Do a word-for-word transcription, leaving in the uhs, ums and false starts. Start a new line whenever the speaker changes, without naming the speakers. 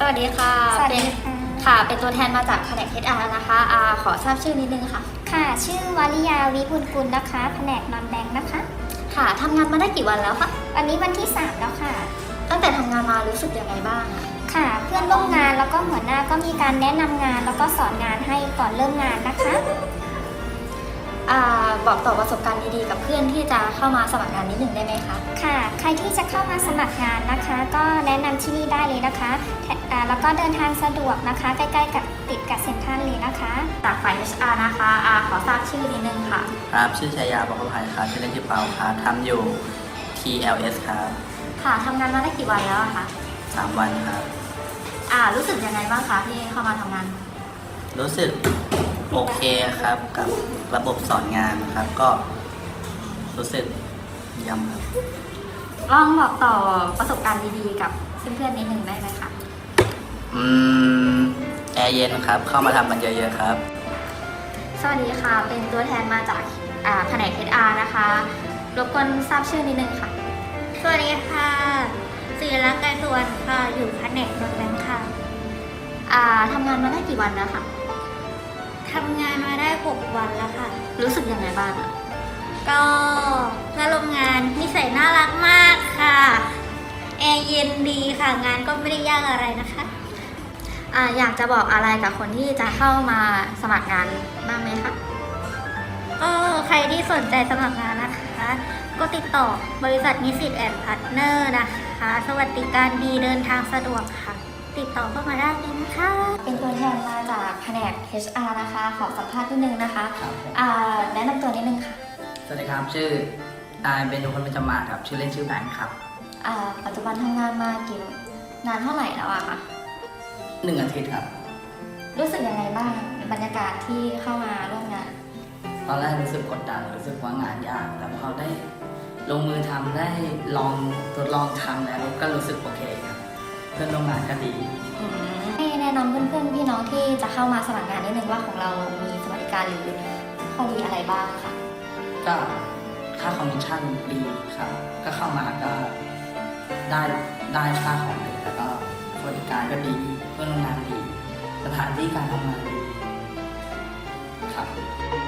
วัสดีค่ะ
สวัสดี
เป็น
ค่ะ
ค่ะ เป็นตัวแทนมาจากแผนก เอช อาร์ นะคะอาขอทราบชื่อนิดนึงค่ะ
ค่ะ ชื่อวริยาวิบุญกุลนะคะ แผนกนอนแบงค์นะคะ
ค่ะทำงานมาได้กี่วันแล้วคะ
วันนี้วันที่สามแล้วค่ะ
ตั้งแต่ทำงานมารู้สึกยังไงบ้างอะ
ค่ะ เพื่อนร่วมงานแล้วก็หัวหน้าก็มีการแนะนำงานแล้วก็สอนงานให้ก่อนเริ่มงานนะคะ
อ่าบอกต่อประสบการณ์ดีๆกับเพื่อนที่จะเข้ามาสมัครงานนิดหนึ่งได้ไหมคะ
ค่ะ ใครที่จะเข้ามาสมัครงานนะคะ ก็แนะนำที่นี่ได้เลยนะคะแถอ่าแล้วก็เดินทางสะดวกนะคะ ใกล้ๆกับติดกับเซ็นทรัลเลยนะคะ
จากฝ่าย เอช อาร์ นะคะอาขอทราบชื่อนิดนึงค่ะ
ครับชื่อชายาบอกภัยครับชื่อเล่นชื่อเปาครับทำอยู่ ที แอล เอส ครับ
ค่ะทำงานมาได้กี่วันแล้วอะคะ
สามวันครับ
อ่ารู้สึกยังไงบ้างคะที่เข้ามาทำงาน
รู้สึกโอเคครับกับระบบสอนงานครับ ก็รู้สึกเยี่ยมครับ
ลองบอกต่อประสบการณ์ดีๆกับเพื่อนๆนิดนึงได้ไหมคะ
อืมแอร์เย็นครับ เข้ามาทำกันเยอะๆครับ
สวัสดีค่ะ เป็นตัวแทนมาจากอ่าแผนก เอช อาร์ นะคะรบกวนทราบชื่อนิดนึงค่ะ
สวัสดีค่ะศิริรักษ์ไกรสุวรรณค่ะ อยู่แผนกนวดแบงค์ค่ะ
อ่าทำงานมาได้กี่วันแล้วค่ะ
ทำงานมาได้หกวันแล้วค่ะ
รู้สึกยังไงบ้างอะ
ก็เพื่อนร่วมงานนิสัยน่ารักมากค่ะ แอร์เย็นดีค่ะ งานก็ไม่ได้ยากอะไรนะคะ
อ่าอยากจะบอกอะไรกับคนที่จะเข้ามาสมัครงานบ้างไหมคะ
ก็ใครที่สนใจสมัครงานนะคะ ก็ติดต่อบริษัทนิสิตแอนด์พาร์ทเนอร์นะคะ สวัสดิการดีเดินทางสะดวกค่ะ ติดต่อเข้ามาได้เลยนะคะ
เป็นตัวแทนมาจากแผนก เอช อาร์ นะคะ ขอสัมภาษณ์นิดนึงนะคะ
ครับผม
อ่าแนะนำตัวนิดนึงค่ะ
สวัสดีครับ ชื่อนายเบญจพลเบญจมาศครับ ชื่อเล่นชื่อแบงค์ครับ
อ่าปัจจุบันทำงานมากี่นานเท่าไหร่แล้วอะคะ
หนึ่งอาทิตย์ครับ
รู้สึกยังไงบ้างบรรยากาศที่เข้ามาร่วมงาน
ตอนแรกรู้สึกกดดันรู้สึกว่างานยาก แต่พอได้ลงมือทำได้ลองทดลองทำแล้วก็รู้สึกโอเคครับ เพื่อนร่วมงานก็ดี
ให้แนะนำเพื่อนๆพี่น้องที่จะเข้ามาสมัครงานนิดนึงว่าของเรามีสวัสดิการหรือข้อดีอะไรบ้างค่ะ
ก็ค่าคอมมิชชั่นดีครับ ก็เข้ามาก็ได้ได้ค่าของเลยแล้วก็สวัสดิการก็ดีเพื่อนร่วมงานดี สถานที่การทำงานดีครับ